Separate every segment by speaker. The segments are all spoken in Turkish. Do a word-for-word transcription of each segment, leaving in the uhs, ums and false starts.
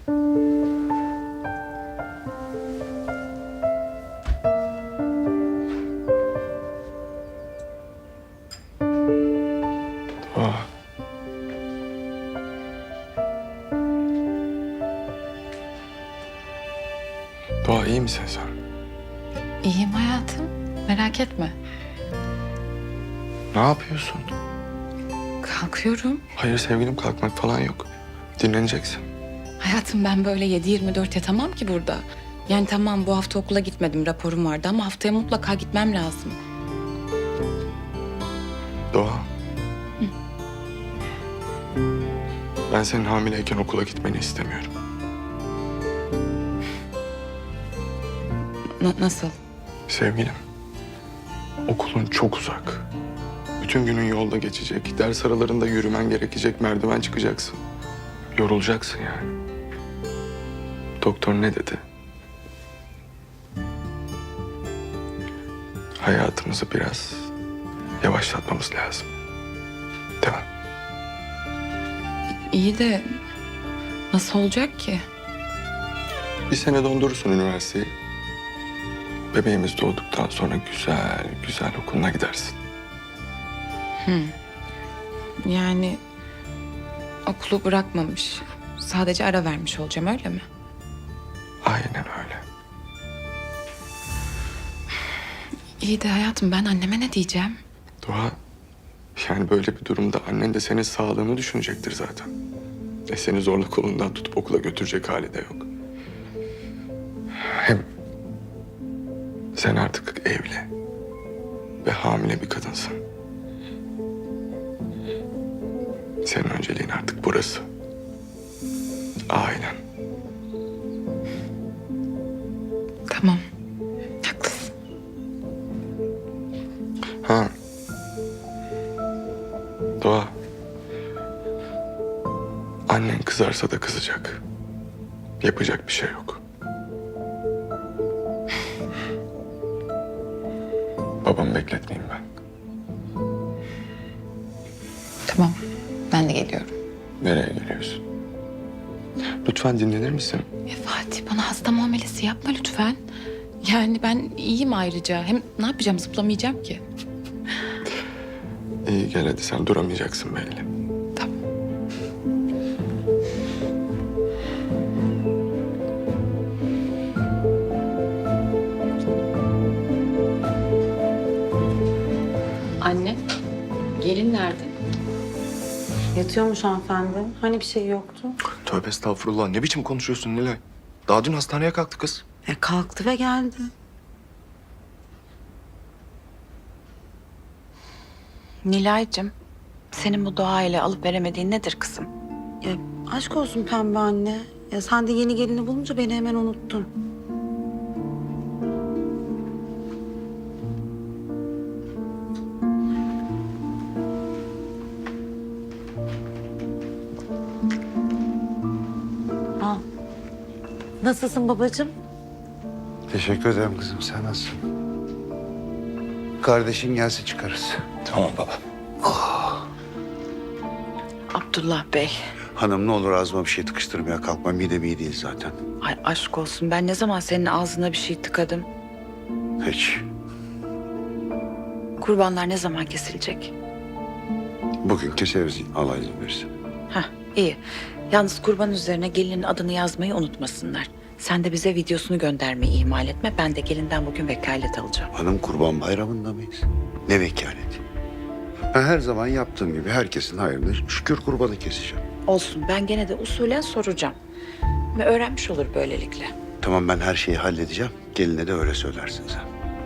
Speaker 1: Doğa. Doğa, iyi misin sen?
Speaker 2: İyiyim hayatım. Merak etme.
Speaker 1: Ne yapıyorsun?
Speaker 2: Kalkıyorum.
Speaker 1: Hayır sevgilim, kalkmak falan yok. Dinleneceksin.
Speaker 2: Hayatım ben böyle yedi yirmi dört yatamam ki burada. Yani tamam bu hafta okula gitmedim, raporum vardı ama haftaya mutlaka gitmem lazım.
Speaker 1: Doğa. Ben senin hamileyken okula gitmeni istemiyorum.
Speaker 2: Na- nasıl?
Speaker 1: Sevgilim, okulun çok uzak. Bütün günün yolda geçecek. Ders aralarında yürümen gerekecek. Merdiven çıkacaksın. Yorulacaksın yani. Doktor ne dedi? Hayatımızı biraz yavaşlatmamız lazım. Değil mi?
Speaker 2: İyi de nasıl olacak ki?
Speaker 1: Bir sene dondurursun üniversiteyi. Bebeğimiz doğduktan sonra güzel güzel okuluna gidersin.
Speaker 2: Yani okulu bırakmamış. Sadece ara vermiş olacağım öyle mi?
Speaker 1: Aynen öyle.
Speaker 2: İyi de hayatım ben anneme ne diyeceğim?
Speaker 1: Doğa, yani böyle bir durumda annen de senin sağlığını düşünecektir zaten. E seni zorla kolundan tutup okula götürecek hali de yok. Hem sen artık evli ve hamile bir kadınsın. Senin önceliğin artık burası. Ailen.
Speaker 2: Tamam. Haklısın.
Speaker 1: Ha. Doğa. Annen kızarsa da kızacak. Yapacak bir şey yok. Babamı bekletmeyeyim ben.
Speaker 2: Tamam. Ben de geliyorum.
Speaker 1: Nereye geliyorsun? Lütfen dinlenir misin?
Speaker 2: Ya Fatih bana hasta muamelesi yapma lütfen. Yani ben iyiyim ayrıca. Hem ne yapacağım zıplamayacağım ki.
Speaker 1: İyi gel hadi, sen duramayacaksın belli.
Speaker 2: Tamam. Anne, gelin nerede?
Speaker 3: Yatıyormuş hanımefendi. Hani bir şey yoktu?
Speaker 4: Tövbe estağfurullah. Ne biçim konuşuyorsun Nilay? Daha dün hastaneye kalktı kız.
Speaker 3: E kalktı ve geldi.
Speaker 5: Nilay'cığım, senin bu doğayla alıp veremediğin nedir kızım?
Speaker 3: Ya aşk olsun pembe anne. Ya sen de yeni gelini bulunca beni hemen unuttun. Al. Nasılsın babacığım?
Speaker 6: Teşekkür ederim kızım. Sen nasılsın? Kardeşin gelse çıkarız.
Speaker 4: Tamam baba.
Speaker 5: Abdullah Bey,
Speaker 6: Hanım ne olur ağzıma bir şey tıkıştırmaya kalkma. Midem iyi değil zaten.
Speaker 5: ay aşk olsun ben ne zaman senin ağzına bir şey tıkadım?
Speaker 6: Hiç.
Speaker 5: Kurbanlar ne zaman kesilecek?
Speaker 6: Bugün keseriz Allah izin verirse.
Speaker 5: Hah, iyi. Yalnız kurban üzerine gelinin adını yazmayı unutmasınlar. Sen de bize videosunu göndermeyi ihmal etme. Ben de gelinden bugün vekalet alacağım.
Speaker 6: Hanım kurban bayramında mıyız? Ne vekaleti? Ben her zaman yaptığım gibi herkesin hayrını şükür kurbanı keseceğim.
Speaker 5: Olsun ben gene de usulen soracağım. Ve öğrenmiş olur böylelikle.
Speaker 6: Tamam ben her şeyi halledeceğim. Geline de öyle söylersin sen.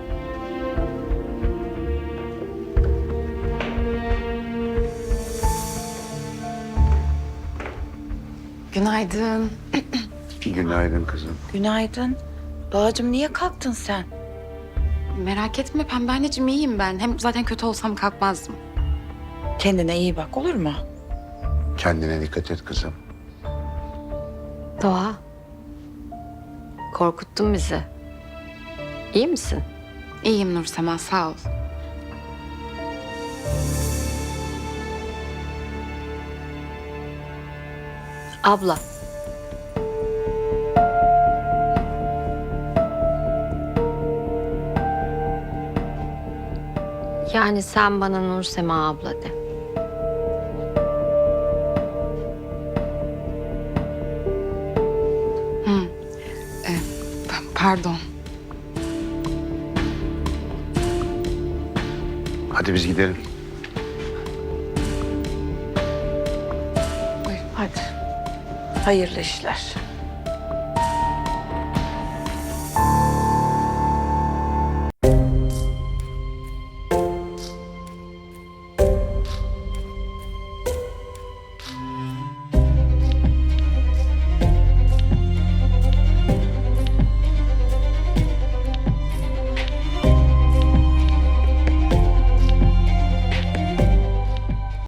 Speaker 2: Günaydın.
Speaker 6: Günaydın kızım.
Speaker 5: Günaydın. Doğacığım niye kalktın sen?
Speaker 2: Merak etme pembe anneciğim iyiyim ben. Hem zaten kötü olsam kalkmazdım.
Speaker 5: Kendine iyi bak olur mu?
Speaker 6: Kendine dikkat et kızım.
Speaker 7: Doğa. Korkuttun bizi. İyi misin?
Speaker 2: İyiyim Nursema sağ ol.
Speaker 7: Abla. Yani sen bana Nursema abla de.
Speaker 2: E, p- pardon.
Speaker 6: Hadi biz gidelim.
Speaker 5: Hadi. Hayırlı işler.